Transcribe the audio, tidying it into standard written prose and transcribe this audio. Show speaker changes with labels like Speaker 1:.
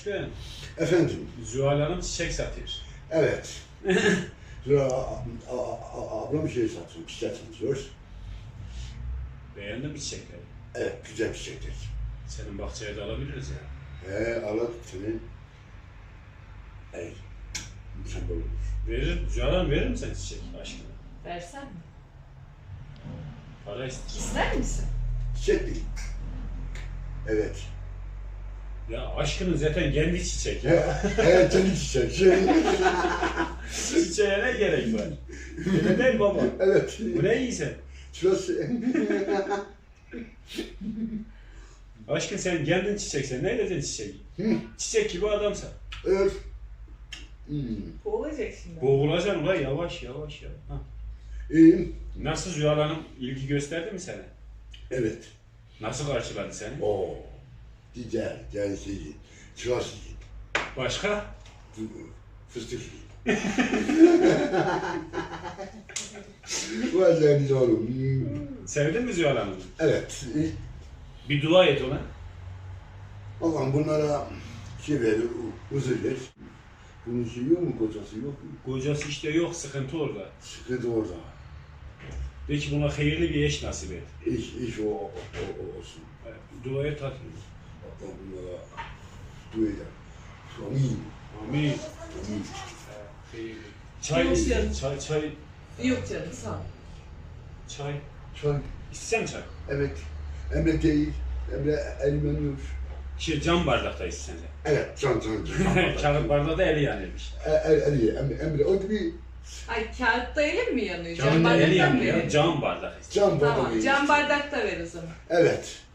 Speaker 1: Aşkım,
Speaker 2: Efendim?
Speaker 1: Zuhal Hanım çiçek satıyor.
Speaker 2: Evet. Ablam bir şey satıyor, çiçek satıyor.
Speaker 1: Beğendin mi çiçekleri?
Speaker 2: Evet, güzel çiçekler.
Speaker 1: Senin bahçeye de alabiliriz ya.
Speaker 2: Allah seni. Mükemmel olur.
Speaker 1: Zuhal Hanım verir mi sen çiçek aşkına?
Speaker 3: Versen mi?
Speaker 1: Para ister.
Speaker 3: İster misin?
Speaker 2: Çiçek değil. Evet.
Speaker 1: Ya aşkının zaten kendi çiçek ya.
Speaker 2: Evet, kendi çiçek.
Speaker 1: Çiçeğe ne gerek var? Öyle değil baba.
Speaker 2: Evet.
Speaker 1: Bu ne iyi sen?
Speaker 2: Şurası.
Speaker 1: Aşkın sen kendin çiçek, sen ne edeceksin çiçeği? Çiçek gibi adamsan.
Speaker 2: Evet.
Speaker 3: Olacak şimdi.
Speaker 1: Boğulacaksın ulan yavaş yavaş ya. Ha.
Speaker 2: İyiyim.
Speaker 1: Nasıl Zuhal Hanım ilgi gösterdi mi sana?
Speaker 2: Evet.
Speaker 1: Nasıl karşıladı seni?
Speaker 2: Oo. Güzel, yani şey, şurası.
Speaker 1: Başka?
Speaker 2: Fıstık. Vay canına oğlum.
Speaker 1: Sevdin mi Zuhal Hanım'ı?
Speaker 2: Evet.
Speaker 1: Bir dua et ona.
Speaker 2: Allah'ım bunlara şey ver, huzur ver. Bunun şeyi yok mu, kocası yok mu?
Speaker 1: Kocası işte yok, sıkıntı orada.
Speaker 2: Sıkıntı orada.
Speaker 1: De ki buna hayırlı bir eş nasip et.
Speaker 2: İş o olsun.
Speaker 1: Dua et hadi.
Speaker 2: Allah bunlara dua eder. Amin.
Speaker 1: Amin.
Speaker 2: Amin.
Speaker 1: Hayırlı. Çay
Speaker 3: Yok
Speaker 1: ister,
Speaker 3: canım.
Speaker 1: çay.
Speaker 3: Yok canım sağ ol.
Speaker 1: Çay.
Speaker 2: Çay.
Speaker 1: İstesen çay.
Speaker 2: Evet. Emre değil. Emre elmeniyor.
Speaker 1: Cam bardakta istesen sen.
Speaker 2: Evet, can.
Speaker 1: Kağıt bardağı da eli yanıyormuş.
Speaker 2: Emre, o gibi
Speaker 3: Ay kağıtta elim mi yanıyor?
Speaker 1: Camın da eli
Speaker 3: bardaktan mı
Speaker 1: yanıyor.
Speaker 3: verelim?
Speaker 1: Cam bardak istiyor.
Speaker 2: can bardağı.
Speaker 3: Tamam, cam bardakta ver o zaman.
Speaker 2: Evet.